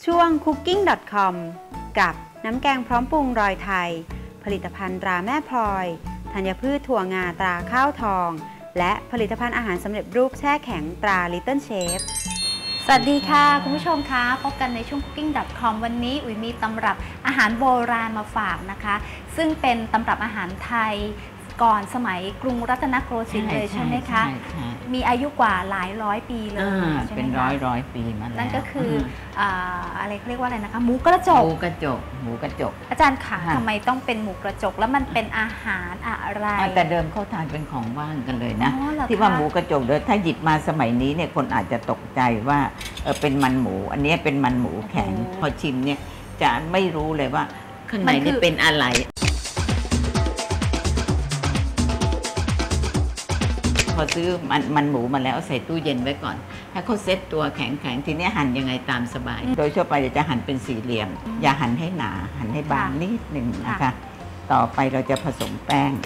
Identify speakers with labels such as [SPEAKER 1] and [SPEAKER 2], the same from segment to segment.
[SPEAKER 1] ช่วง cooking.com กับน้ำแกงพร้อมปรุงรอยไทยผลิตภัณฑ์ตราแม่พลอยธัญพืชถั่วงาตราข้าวทองและผลิตภัณฑ์อาหารสำเร็จรูปแช่แข็งตรา Little Chef สวัสดีค่ะคุณผู้ชมคะพบกันในช่วง cooking.com วันนี้อุ๋ยมีตำรับอาหารโบราณมาฝากนะคะซึ่งเป็นตำรับอาหารไทยก่อนสมัยกรุงรัตนโกสินทร์เลยใช่ไหมคะมีอายุกว่าหลายร้อยปีเลย
[SPEAKER 2] เป็นร้อยปีมาแล้ว
[SPEAKER 1] นั่นก็คืออะไรเขาเรียกว่าอะไรนะคะหมูกระจกอาจารย์ค่ะทำไมต้องเป็นหมูกระจกแล้วมันเป็นอาหารอะไร
[SPEAKER 2] แต่เดิมเขาทานเป็นของว่างกันเลยนะที่ว่าหมูกระจกเดี๋ยวถ้าหยิบมาสมัยนี้เนี่ยคนอาจจะตกใจว่าเป็นมันหมูอันนี้เป็นมันหมูแข็งพอชิมเนี่ยจะไม่รู้เลยว่าข้างในนี่เป็นอะไรพอซื้อมันหมูมาแล้วใส่ตู้เย็นไว้ก่อนให้เขาเซ็ตตัวแข็งทีนี้หั่นยังไงตามสบายโดยทั่วไปจะหั่นเป็นสี่เหลี่ยมอย่าหั่นให้หนาหั่นให้บางนิดหนึ่งนะคะต่อไปเราจะผสมแป้ง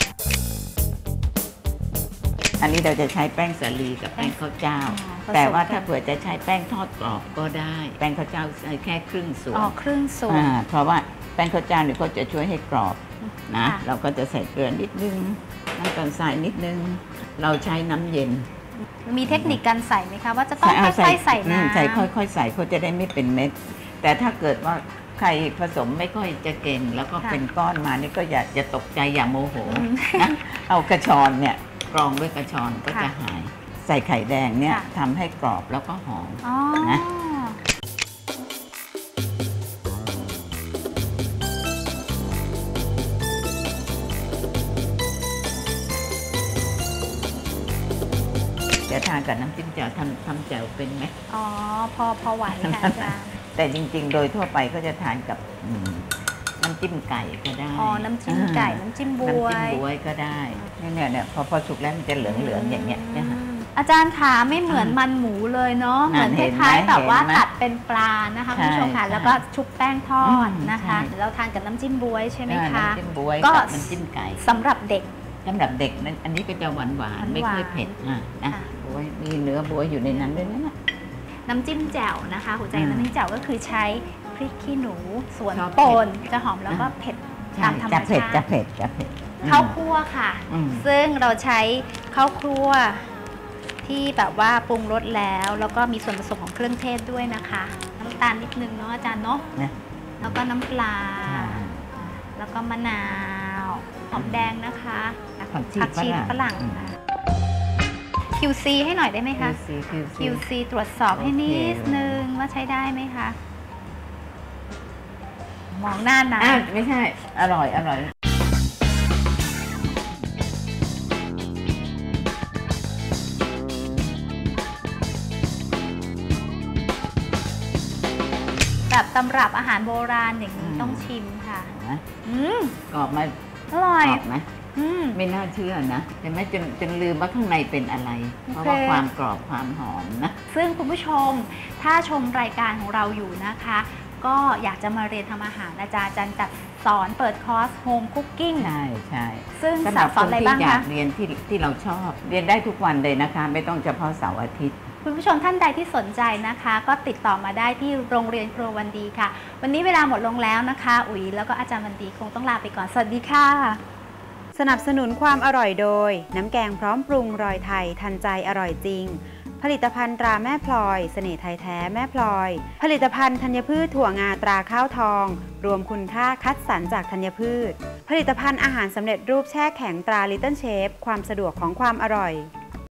[SPEAKER 2] อันนี้เราจะใช้แป้งสาลีกับแป้งข้าวเจ้าแต่ว่าถ้าเผื่อจะใช้แป้งทอดกรอบก็ได้แป้งข้าวเจ้าใช้แค่ครึ่งส่วนเพราะว่าแป้งข้าวเจ้าเนี่ยก็จะช่วยให้กรอบนะเราก็จะใส่เกลือนิดนึงน้ำตาลทรายนิดนึงเราใช้น้ำเย็น
[SPEAKER 1] มีเทคนิคการใส่ไหมคะว่าจะต้องค่อยๆใส่น้ำ
[SPEAKER 2] ใส่ค่อยๆใส่เขาจะได้ไม่เป็นเม็ดแต่ถ้าเกิดว่าใครผสมไม่ค่อยจะเก่งแล้วก็เป็นก้อนมานี่ก็อย่าตกใจอย่าโมโหนะเอากระชอนเนี่ยกรองด้วยกระชอนก็จะหายใส่ไข่แดงเนี่ยทำให้กรอบแล้วก็หอมนะจะทานกับน้ำจิ้มแจ่วทำแจ่วเป็นไหม
[SPEAKER 1] อ๋อพอไหวค่ะอาจารย์
[SPEAKER 2] แต่จริงๆโดยทั่วไปก็จะทานกับน้ำจิ้มไก่ก็ได้
[SPEAKER 1] อ๋อน้ำจิ้มไก่น้ำจิ้มบ
[SPEAKER 2] วยก็ได้เนี่ยพอสุกแล้วมันจะเหลืองๆอย่างเงี้ย
[SPEAKER 1] อาจารย์ขาไม่เหมือนมันหมูเลยเนาะเหมือนคล้ายๆแบบว่าตัดเป็นปลานะคะคุณผู้ชมค่ะแล้วก็ชุบแป้งทอดนะคะเราทานกับน้ำจิ้มบวยใช่ไหมคะ
[SPEAKER 2] น้ำจิ้มบวยกับน้ำจิ้มไก่
[SPEAKER 1] สำหรับเด็ก
[SPEAKER 2] นั้นอันนี้ก็จะหวานไม่ค่อยเผ็ดนะบวยมีเนื้อบวยอยู่ในนั้นด้วยนะ
[SPEAKER 1] น้ำจิ้มแจ่วนะคะหัวใจน้ำจิ้มแจ่วก็คือใช้พริกขี้หนูส่วนป่นจะหอมแล้วก็เผ็ดตามธรรมชาติ
[SPEAKER 2] จะเผ็ด
[SPEAKER 1] ข้าวคั่วค่ะซึ่งเราใช้ข้าวคั่วที่แบบว่าปรุงรสแล้วก็มีส่วนผสมของเครื่องเทศด้วยนะคะน้ำตาลนิดนึงเนาะอาจารย์เนาะแล้วก็น้ำปลาแล้วก็มะนาวหอมแดงนะคะผักชีฝรั่งQC ให้หน่อยได้ไหมคะ QC ตรวจสอบให้นิดนึงว่าใช้ได้ไหมคะมองหน้านะ
[SPEAKER 2] ไม่ใช่อร่อย
[SPEAKER 1] แบบตำรับอาหารโบราณอย่างนี้ต้องชิมค่ะ
[SPEAKER 2] กรอบไหม
[SPEAKER 1] อร่อย
[SPEAKER 2] ไหมไม่น่าเชื่อนะแต่ไม่จนลืมว่าข้างในเป็นอะไรเพราะว่าความกรอบความหอมนะ
[SPEAKER 1] ซึ่งคุณผู้ชมถ้าชมรายการของเราอยู่นะคะก็อยากจะมาเรียนทำอาหารอาจารย์จัดสอนเปิดคอร์สโฮมคุกกิ้ง
[SPEAKER 2] ใช่
[SPEAKER 1] ซึ่งสอนอะไรบ้างคะ
[SPEAKER 2] อยากเรียนที่เราชอบเรียนได้ทุกวันเลยนะคะไม่ต้องเฉพาะเสาร์อาทิตย์
[SPEAKER 1] คุณผู้ชมท่านใดที่สนใจนะคะก็ติดต่อมาได้ที่โรงเรียนครัววันดีค่ะวันนี้เวลาหมดลงแล้วนะคะอุ๋ยแล้วก็อาจารย์วันดีคงต้องลาไปก่อนสวัสดีค่ะสนับสนุนความอร่อยโดยน้ำแกงพร้อมปรุงรอยไทยทันใจอร่อยจริงผลิตภัณฑ์ตราแม่พลอยเสน่ห์ไทยแท้แม่พลอยผลิตภัณฑ์ธัญพืชถั่วงาตราข้าวทองรวมคุณค่าคัดสรรจากธัญพืชผลิตภัณฑ์อาหารสำเร็จรูปแช่แข็งตรา Little Chef ความสะดวกของความอร่อย